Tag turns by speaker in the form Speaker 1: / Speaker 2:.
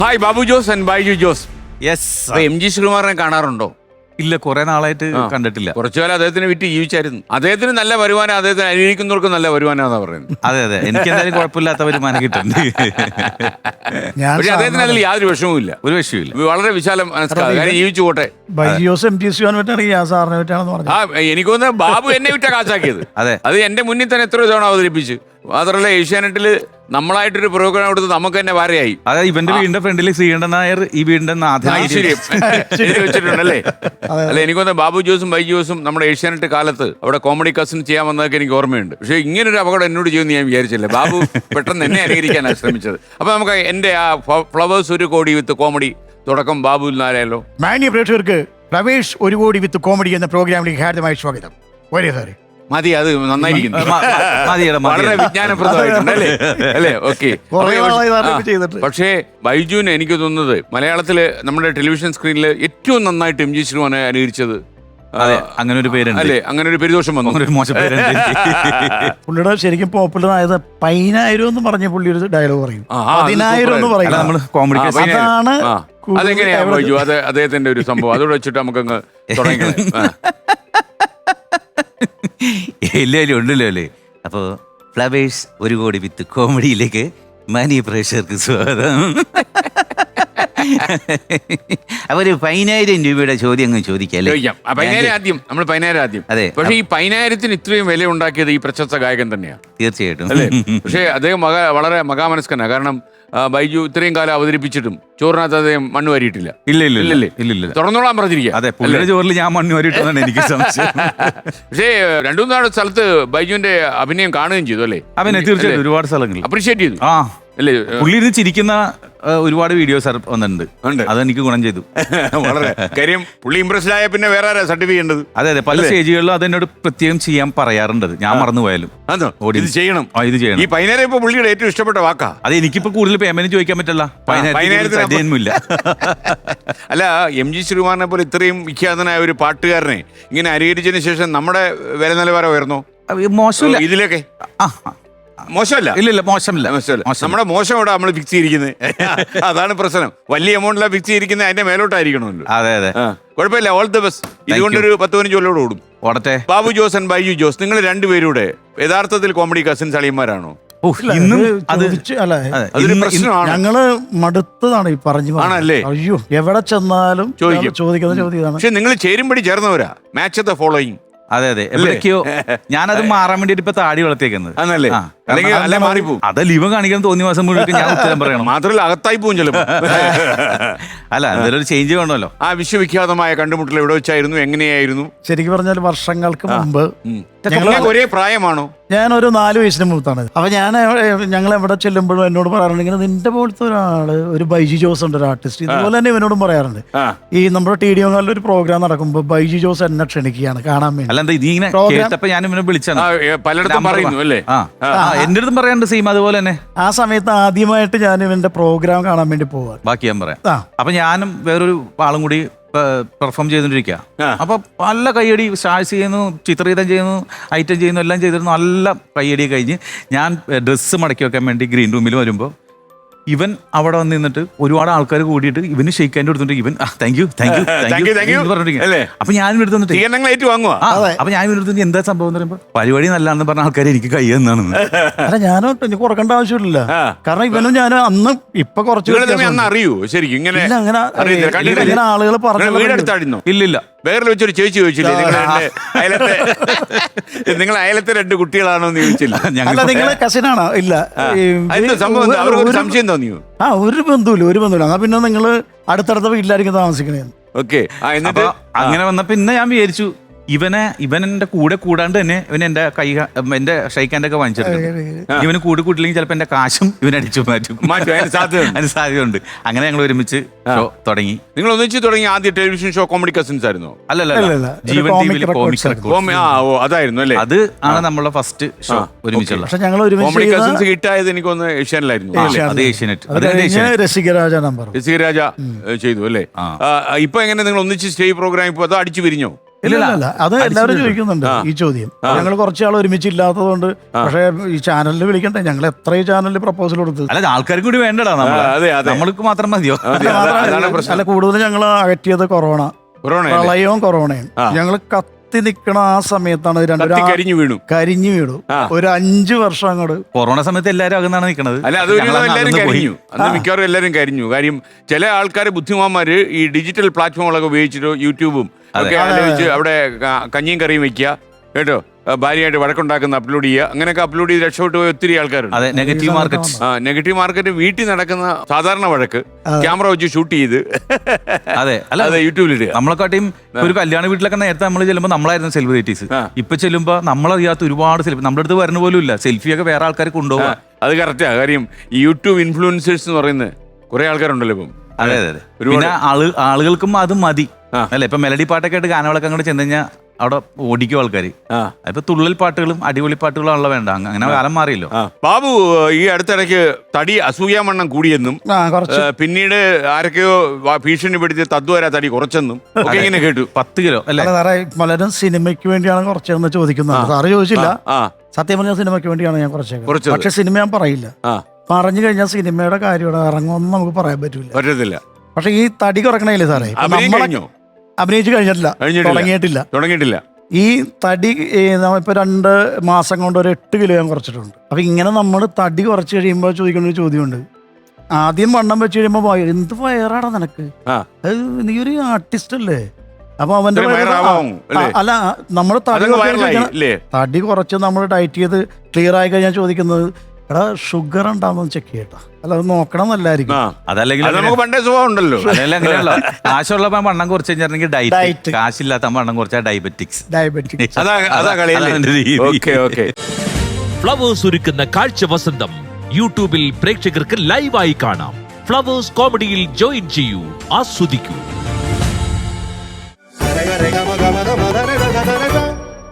Speaker 1: Hi Babu Jose and Baiju Jose.
Speaker 2: Yes.
Speaker 1: MG ശ്രീകുമാറിനെ കാണാറുണ്ടോ?
Speaker 2: ഇല്ല, കുറെ നാളായിട്ട് കണ്ടിട്ടില്ല.
Speaker 1: കുറച്ചുകാലം അദ്ദേഹത്തിന് വിറ്റ് ജീവിച്ചായിരുന്നു. അദ്ദേഹത്തിന് നല്ല വരുമാനം, അദ്ദേഹത്തിന് അനുകരിക്കുന്നവർക്ക് നല്ല വരുമാനമാണെന്നാ പറയുന്നത്.
Speaker 2: അതെ അതെ, എനിക്ക് എന്തായാലും കുഴപ്പമില്ലാത്ത വരുമാനം കിട്ടുന്നുണ്ട്.
Speaker 1: പക്ഷെ അദ്ദേഹത്തിന് അതിൽ യാതൊരു വിഷമവും ഇല്ല.
Speaker 2: ഒരു വിഷയമില്ല.
Speaker 1: വളരെ വിശാലം മനസ്സിലാക്കാം, ജീവിച്ചു പോട്ടെ. എനിക്ക് തോന്നുന്നത് ബാബു എന്നെ വിറ്റ കാശാക്കിയത്.
Speaker 2: അതെ,
Speaker 1: അത് എന്റെ മുന്നിൽ തന്നെ എത്ര തവണ അവതരിപ്പിച്ചു. മാത്രമല്ല ഏഷ്യാനെറ്റില് നമ്മളായിട്ടൊരു പ്രോഗ്രാം എടുത്ത് നമുക്ക് തന്നെ വാരയായി.
Speaker 2: അതെ, ഇവന്റെ വീടിന്റെ ഫ്രണ്ടിൽ ശ്രീകണ്ഠൻ നായർ ഈ വീടിന്റെ
Speaker 1: വെച്ചിട്ടുണ്ടല്ലേ? അല്ല, എനിക്കൊന്ന് ബാബു ജോസും ബൈജു ജോസും നമ്മുടെ ഏഷ്യാനെറ്റ് കാലത്ത് അവിടെ കോമഡി കസിൻ ചെയ്യാൻ വന്നതൊക്കെ എനിക്ക് ഓർമ്മയുണ്ട്. പക്ഷെ ഇങ്ങനൊരു അപകടം എന്നോട് ചെയ്യുമെന്ന് ഞാൻ വിചാരിച്ചില്ല. ബാബു പെട്ടെന്ന് എന്നെ അനുകരിക്കാനാണ് ശ്രമിച്ചത്. അപ്പൊ നമുക്ക് എന്റെ ആ ഫ്ലവേഴ്സ് ഒരു കോടി വിത്ത് കോമഡി തുടക്കം ബാബുവിൽ നിന്നായാലോ?
Speaker 3: മാന്യ പ്രേക്ഷകർക്ക് ഫ്ലവേഴ്സ് ഒരു കോടി വിത്ത് കോമഡി എന്ന പ്രോഗ്രാമിലേക്ക് ഹാർദമായ സ്വാഗതം.
Speaker 1: മതി, അത് നന്നായിരിക്കുന്നു. വളരെ വിജ്ഞാനപ്രദമായിട്ടുണ്ട് അല്ലേ? ഓക്കെ. പക്ഷേ ബൈജുവിന് എനിക്ക് തോന്നുന്നത് മലയാളത്തില് നമ്മുടെ ടെലിവിഷൻ സ്ക്രീനിൽ ഏറ്റവും നന്നായിട്ട് MG ശ്രീകുമാറിനെ അനുകരിച്ചത്
Speaker 2: അങ്ങനെ ഒരു പേരുണ്ട് അല്ലേ?
Speaker 1: അങ്ങനെ ഒരു പെരുദോഷം വന്നു,
Speaker 2: ഒരു മോശം പേരുണ്ട്.
Speaker 3: പുള്ളിയുടെ ശരിക്കും പോപ്പുലർ ആയത് 10,000 എന്ന് പറഞ്ഞ പുള്ളി ഒരു ഡയലോഗ് പറയും, 10,000 എന്ന് പറയും. അതാണ്.
Speaker 1: അതെങ്ങനെയാ ബൈജു? അത് അദ്ദേഹത്തിന്റെ ഒരു സംഭവം, അതോടെ വെച്ചിട്ട് നമുക്കങ്ങ് തുടങ്ങിക്കണം.
Speaker 2: ഇല്ല ഉണ്ടല്ലോ അല്ലേ? അപ്പോൾ ഫ്ലവേഴ്സ് ഒരു കോടി വിത്ത് കോമഡിയിലേക്ക് മാന്യ പ്രേക്ഷകർക്ക് സ്വാഗതം. അപ്പൊ ഒരു 10,000 രൂപയുടെ ചോദ്യം അങ്ങ് ചോദിക്കാം.
Speaker 1: 10,000 ആദ്യം. നമ്മൾ 10,000 ആദ്യം.
Speaker 2: അതെ.
Speaker 1: പക്ഷേ ഈ 10,000-ന് ഇത്രയും വില ഉണ്ടാക്കിയത് ഈ പ്രശസ്ത ഗായകൻ തന്നെയാണ്.
Speaker 2: തീർച്ചയായിട്ടും
Speaker 1: അല്ലേ? പക്ഷേ അദ്ദേഹം വളരെ മകാമനസ്കനാണ്. കാരണം ബൈജു ഇത്രയും കാലം അവതരിപ്പിച്ചിട്ടും ചോറിനകത്ത് അദ്ദേഹം മണ്ണ് വാരിയിട്ടില്ല.
Speaker 2: ഇല്ല
Speaker 1: തുറന്നോളാൻ പറഞ്ഞിരിക്കുക.
Speaker 2: അതെ, പുള്ളിയുടെ ചോറിൽ ഞാൻ മണ്ണ് വാരിയിട്ടാണ് എനിക്ക് സംശയം.
Speaker 1: പക്ഷേ 2-3 സ്ഥലത്ത് ബൈജുവിന്റെ അഭിനയം കാണുകയും ചെയ്തു അല്ലേ?
Speaker 2: തീർച്ചയായിട്ടും ഒരുപാട് സ്ഥലങ്ങളിൽ
Speaker 1: അപ്രീഷിയേറ്റ് ചെയ്തു.
Speaker 2: അല്ലേ? പുള്ളി ഇരുന്ന് ചിരിക്കുന്ന ഒരുപാട് വീഡിയോസ് വന്നിട്ടുണ്ട്. അതെനിക്ക് ഗുണം ചെയ്തു.
Speaker 1: വളരെ കാര്യം. പുള്ളി ഇംപ്രസ്ഡ് ആയ പിന്നെ വേറെ ആരാ സർട്ടിഫൈ ചെയ്യേണ്ടത്?
Speaker 2: അതെ, പല സ്റ്റേജുകളിലും അതെന്നോട് പ്രത്യേകം ചെയ്യാൻ പറയാറുണ്ട്. ഞാൻ മറന്നുപോയാലും
Speaker 1: ഇത് ചെയ്യണം.
Speaker 2: ഇത് ചെയ്യണം.
Speaker 1: ഈ 10,000 ഇപ്പൊ പുള്ളിയുടെ ഏറ്റവും ഇഷ്ടപ്പെട്ട വാക്കാ.
Speaker 2: അത് എനിക്കിപ്പോ കൂടുതൽ പേയ്മെന്റ് ചോദിക്കാൻ പറ്റില്ല. 10,000
Speaker 1: അല്ല, MG ശ്രീകുമാറിനെ പോലെ ഇത്രയും വിഖ്യാതനായ ഒരു പാട്ടുകാരനെ ഇങ്ങനെ അനുകരിച്ചതിന് ശേഷം നമ്മുടെ വില നിലവാരം ഉയർന്നോ?
Speaker 2: മോശമില്ല.
Speaker 1: ഇതിലൊക്കെ മോശമല്ല.
Speaker 2: ഇല്ല, മോശമില്ല.
Speaker 1: നമ്മുടെ മോശം ഇവിടെ നമ്മൾ ഫിക്സ് ചെയ്തിരിക്കുന്നത്. അതാണ് പ്രശ്നം. വലിയ എമൗണ്ടിലാണ് ഫിക്സ് ചെയ്തിരിക്കുന്നത്, അതിന്റെ മേലോട്ടായിരിക്കണമല്ലോ.
Speaker 2: അതെ.
Speaker 1: കുഴപ്പമില്ല. All the best. ഇതുകൊണ്ടൊരു 10-15 കൊല്ലോട് ഓടും.
Speaker 2: ഓടട്ടെ.
Speaker 1: ബാബു ജോസ് ആൻഡ് ബൈജു ജോസ്, നിങ്ങൾ രണ്ടുപേരുടെ യഥാർത്ഥത്തിൽ കോമഡി കസിൻസ് അളിയന്മാരാണോ?
Speaker 3: അതൊരു പ്രശ്നമാണ്. ഞങ്ങള് മടുത്തതാണ് ഈ പറഞ്ഞു.
Speaker 1: ആണല്ലേ?
Speaker 3: അയ്യോ, എവിടെ ചെന്നാലും ചോദിക്കുന്ന ചോദ്യമാണ്.
Speaker 1: പക്ഷെ നിങ്ങൾ ചേരുംപടി ചേർന്നവരാ. Match the following.
Speaker 2: അതെ, എവിടേക്കോ ഞാനത് മാറാൻ വേണ്ടിട്ട് ഇപ്പൊ താടി വളർത്തിയേക്കുന്നത്. അതല്ല, ഇവ കാണിക്കാൻ തോന്നിയ മാസം മുഴുവൻ ഞാൻ ഉത്തരം പറയണം.
Speaker 1: മാത്രമല്ല അകത്തായി പോകും ചിലപ്പോ.
Speaker 2: അല്ല, എന്തെങ്കിലും ഒരു ചേഞ്ച് വേണമല്ലോ.
Speaker 1: ആ വിശ്വവിഖ്യാതമായ കണ്ടുമുട്ടൽ എവിടെ വെച്ചായിരുന്നു, എങ്ങനെയായിരുന്നു?
Speaker 3: ശരിക്കും പറഞ്ഞാൽ വർഷങ്ങൾക്ക് മുമ്പ്.
Speaker 1: ഒരേ പ്രായമാണോ?
Speaker 3: ഞാനൊരു 4 വയസ്സിന് മുത്താണ്. അപ്പൊ ഞങ്ങൾ എവിടെ ചെല്ലുമ്പോഴും എന്നോട് പറയാറുണ്ട്, ഇങ്ങനെ നിന്റെ പോലത്തെ ഒരാള്, ഒരു ബൈജു ജോസ് ഉണ്ട്, ഒരു ആർട്ടിസ്റ്റ്. ഇതുപോലെ തന്നെ ഇവനോടും പറയാറുണ്ട്. ഈ നമ്മുടെ TDO ഒരു പ്രോഗ്രാം നടക്കുമ്പോൾ ബൈജു ജോസ് എന്നെ ക്ഷണിക്കുകയാണ് കാണാൻ വേണ്ടി.
Speaker 2: ഞാൻ ഇവനെ വിളിച്ചാണ്.
Speaker 1: പലയിടത്തും പറയുന്നു അല്ലേ?
Speaker 2: എന്റെ അടുത്തും പറയാറുണ്ട് സെയിം അതുപോലെ തന്നെ.
Speaker 3: ആ സമയത്ത് ആദ്യമായിട്ട് ഞാൻ ഇവന്റെ പ്രോഗ്രാം കാണാൻ വേണ്ടി പോവാ.
Speaker 2: ബാക്കി ഞാൻ പറയാം. അപ്പൊ ഞാനും വേറൊരു ആളും കൂടി പെർഫോം ചെയ്തോണ്ടിരിക്കുക. അപ്പൊ നല്ല കയ്യടി, സ്റ്റാർസ് ചെയ്യുന്നു, ചിത്രീകരണം ചെയ്യുന്നു, ഐറ്റം ചെയ്യുന്നു, എല്ലാം ചെയ്തിരുന്നു. നല്ല കയ്യടി കഴിഞ്ഞ് ഞാൻ ഡ്രസ്സ് മടക്കി വെക്കാൻ വേണ്ടി ഗ്രീൻ റൂമിൽ വരുമ്പോൾ ഇവൻ അവിടെ വന്ന് നിന്നിട്ട് ഒരുപാട് ആൾക്കാർ കൂടിയിട്ട് ഇവന് ഷെയ്ക്ക് ഹാൻഡ് കൊടുത്തിട്ട് ഇവൻ താങ്ക് യു പറഞ്ഞിരിക്കും. അപ്പൊ ഞാൻ എടുത്തു അപ്പൊ ഞാൻ എടുത്തു എന്താ സംഭവം എന്ന് പറയുമ്പോൾ പരിപാടി നല്ലതാണെന്ന് പറഞ്ഞ ആൾക്കാർ എനിക്ക് കൈ എന്നാണ്.
Speaker 3: അല്ല, ഞാനും എനിക്ക് കുറക്കേണ്ട ആവശ്യമില്ല. കാരണം ഇവനും ഞാൻ അന്ന് ഇപ്പൊ കുറച്ച്
Speaker 1: അറിയൂ ശരിക്കും ഇങ്ങനെ
Speaker 3: ആളുകൾ പറഞ്ഞു.
Speaker 1: ഇല്ലില്ല, വേറെ വെച്ചൊരു ചേച്ചി ചോദിച്ചില്ലേ നിങ്ങൾ അയലത്തെ 2 കുട്ടികളാണോ എന്ന് ചോദിച്ചില്ല?
Speaker 3: നിങ്ങളെ കസിനാണോ? ഇല്ല.
Speaker 1: സംശയം തോന്നിയോ?
Speaker 3: ഒരു ബന്ധുവില്ല. എന്നാ പിന്നെ നിങ്ങള് അടുത്തടുത്ത വീട്ടിലായിരിക്കും താമസിക്കണേ.
Speaker 1: ഓക്കെ.
Speaker 2: അങ്ങനെ വന്ന പിന്നെ ഞാൻ വിചാരിച്ചു ഇവൻ എന്റെ കൂടെ കൂടാണ്ട് തന്നെ ഇവൻ എന്റെ ഷൈക്കാൻ്റെ ഒക്കെ വാങ്ങിച്ചെടുക്കും. ഇവന് കൂട്ടില്ലെങ്കിൽ ചിലപ്പോ എന്റെ കാശും ഇവനടിച്ചു മാറ്റും. അതിന് സാധ്യതയുണ്ട്. അങ്ങനെ ഞങ്ങൾ ഒരുമിച്ച് ഷോ തുടങ്ങി.
Speaker 1: നിങ്ങൾ ഒന്നിച്ച് തുടങ്ങി. ആദ്യ ടെലിവിഷൻ ഷോ കോമഡി കസിൻസ് ആയിരുന്നോ?
Speaker 2: അല്ലല്ല, ജീവൻ ടിവിയിൽ കോമിക്സ് റെക്കോർഡ്സ്.
Speaker 1: അതായിരുന്നു അല്ലേ?
Speaker 2: അത് ആണ് നമ്മളെ ഫസ്റ്റ് ഷോ ഒരുമിച്ചുള്ള.
Speaker 1: കോമഡി കസിൻസ് ഹിറ്റായത് എനിക്കൊന്ന് ഏഷ്യാനിലായിരുന്നു.
Speaker 2: അത് ഏഷ്യാനെറ്റ്.
Speaker 3: രസികരാജ
Speaker 1: ചെയ്തു അല്ലേ? ഇപ്പൊ എങ്ങനെ നിങ്ങൾ ഒന്നിച്ച് സ്റ്റേജ് പ്രോഗ്രാം ഇപ്പൊ അതോ അടിച്ചു പിരിഞ്ഞോ?
Speaker 3: ഇല്ല അത് എല്ലാവരും ചോദിക്കുന്നുണ്ട് ഈ ചോദ്യം. ഞങ്ങൾ കുറച്ചാൾ ഒരുമിച്ചില്ലാത്തതുകൊണ്ട്. പക്ഷേ ഈ ചാനലിൽ വിളിക്കണ്ടേ, ഞങ്ങൾ എത്രയും ചാനലിൽ പ്രപ്പോസൽ കൊടുത്തു.
Speaker 2: അല്ല, ആൾക്കാരും കൂടി വേണ്ടടാ, നമ്മൾക്ക് മാത്രം മതിയോ?
Speaker 3: അല്ല, കൂടുതൽ ഞങ്ങൾ അകറ്റിയത് പ്രളയവും കൊറോണയും. ഞങ്ങൾ കത്തി നിക്കണ ആ സമയത്താണ്
Speaker 1: കരിഞ്ഞു വീണു
Speaker 3: ഒരു 5 വർഷം അങ്ങോട്ട്.
Speaker 2: കൊറോണ സമയത്ത് എല്ലാവരും അകന്നാണ് നിൽക്കുന്നത്.
Speaker 1: അല്ല, അത് എല്ലാവരും കരിഞ്ഞു, അന്ന് മിക്കവാറും എല്ലാവരും കരിഞ്ഞു. കാര്യം ചില ആൾക്കാർ ബുദ്ധിമാന്മാര് ഈ ഡിജിറ്റൽ പ്ലാറ്റ്ഫോമുകളൊക്കെ ഉപയോഗിച്ചിട്ട് യൂട്യൂബ് ഒക്കെ ആലോചിച്ച് അവിടെ കഞ്ഞിയും കറിയും വെക്കുക കേട്ടോ, ഭാര്യയായിട്ട് വഴക്കുണ്ടാക്കുന്ന അപ്ലോഡ് ചെയ്യുക, അങ്ങനെയൊക്കെ അപ്ലോഡ് ചെയ്ത് രക്ഷപ്പെട്ടു പോയ ഒത്തിരി ആൾക്കാരുണ്ട്.
Speaker 2: Negative market.
Speaker 1: നെഗറ്റീവ് മാർക്കറ്റ് വീട്ടിൽ നടക്കുന്ന സാധാരണ വഴക്ക് ക്യാമറ വെച്ച് ഷൂട്ട് ചെയ്ത് യൂട്യൂബിൽ ഇടുക.
Speaker 2: നമ്മളെക്കാട്ടിയും ഒരു കല്യാണ വീട്ടിലൊക്കെ നേരത്തെ നമ്മൾ ചെല്ലുമ്പോൾ നമ്മളായിരുന്നു സെലിബ്രിറ്റീസ്. ഇപ്പൊ ചെല്ലുമ്പോൾ നമ്മളറിയാത്ത ഒരുപാട് സെലിബ്രിറ്റി നമ്മുടെ അടുത്ത് വരുന്ന പോലും ഇല്ല. സെൽഫിയൊക്കെ വേറെ ആൾക്കാർ കൊണ്ടുപോകാം.
Speaker 1: അത് കറക്റ്റാ. കാര്യം ഈ യൂട്യൂബ് ഇൻഫ്ലുവൻസേഴ്സ് എന്ന് പറയുന്നത് കുറെ ആൾക്കാരുണ്ടല്ലോ ഇപ്പം.
Speaker 2: അതെ. പിന്നെ ആളുകൾക്കും അത് മതി അല്ലെ. ഇപ്പൊ മെലഡി പാട്ടൊക്കെ ആയിട്ട് ഗാനങ്ങളൊക്കെ അങ്ങോട്ട് ചെന്ന് കഴിഞ്ഞാൽ അവിടെ ഓടിക്കും ആൾക്കാർ. ഇപ്പൊ തുള്ളൽ പാട്ടുകളും അടിപൊളി പാട്ടുകളും വേണ്ട, അങ്ങനെ കാലം മാറിയല്ലോ.
Speaker 1: ബാബു ഈ അടുത്തിടയ്ക്ക് തടി അസൂയാമണ്ണം കൂടിയെന്നും പിന്നീട് ആരൊക്കെയോ ഭീഷണിപ്പെടുത്തി തദ്വര തടി കുറച്ചെന്നും ഒക്കെ ഇങ്ങനെ കേട്ടു.
Speaker 2: 10 കിലോ അല്ലെ.
Speaker 3: പലരും സിനിമയ്ക്ക് വേണ്ടിയാണ് കുറച്ചെന്ന് ചോദിക്കുന്നത്. സാറ് ചോദിച്ചില്ല. സത്യം പറഞ്ഞ സിനിമയ്ക്ക് വേണ്ടിയാണ് ഞാൻ കുറച്ചത്. പക്ഷെ സിനിമ ഞാൻ പറയില്ല. പറഞ്ഞു കഴിഞ്ഞാൽ സിനിമയുടെ കാര്യം ഇറങ്ങുമെന്ന് നമുക്ക് പറയാൻ പറ്റത്തില്ല. പക്ഷെ ഈ തടി കുറക്കണേലേ സാറേ, അഭിനയിച്ചു തുടങ്ങിയിട്ടില്ല. ഈ തടി ഇപ്പൊ 2 മാസം കൊണ്ട് ഒരു 8 കിലോ ഞാൻ കുറച്ചിട്ടുണ്ട്. അപ്പൊ ഇങ്ങനെ നമ്മൾ തടി കുറച്ച് കഴിയുമ്പോൾ ചോദിക്കുന്ന ഒരു ചോദ്യമുണ്ട്. ആദ്യം വണ്ണം വെച്ച് കഴിയുമ്പോ എന്ത് വയറാടാ നിനക്ക്, നീ ഒരു ആർട്ടിസ്റ്റ് അല്ലേ? അപ്പൊ അവന്റെ അല്ല, നമ്മൾ തടി കുറച്ച് നമ്മൾ ഡയറ്റ് ചെയ്ത് ക്ലിയർ ആയി കഴിഞ്ഞാൽ ചോദിക്കുന്നത്, എടാ ഷുഗർ ഉണ്ടാവുന്ന ചെക്ക് ചെയ്യട്ടാ. അല്ല, അത് നോക്കണം എന്നല്ലായിരിക്കും.
Speaker 2: അതല്ലെങ്കിൽ
Speaker 1: നമുക്ക് പണ്ടേ സ്വഭാവം ഉണ്ടല്ലോ.
Speaker 2: അങ്ങനെയല്ലോ, കാശുള്ളപ്പോ വണ്ണം കുറച്ച് കഴിഞ്ഞിട്ടുണ്ടെങ്കിൽ ഡയറ്റ്, കാശില്ലാത്ത വണ്ണം കുറച്ചാൽ ഡയബറ്റിക്സ്.
Speaker 4: ഫ്ലവേഴ്സ് ഒരുക്കുന്ന കാഴ്ച വസന്തം യൂട്യൂബിൽ പ്രേക്ഷകർക്ക് ലൈവായി കാണാം. ഫ്ലവേഴ്സ് കോമഡിയിൽ ജോയിൻ ചെയ്യൂ, ആസ്വദിക്കൂ.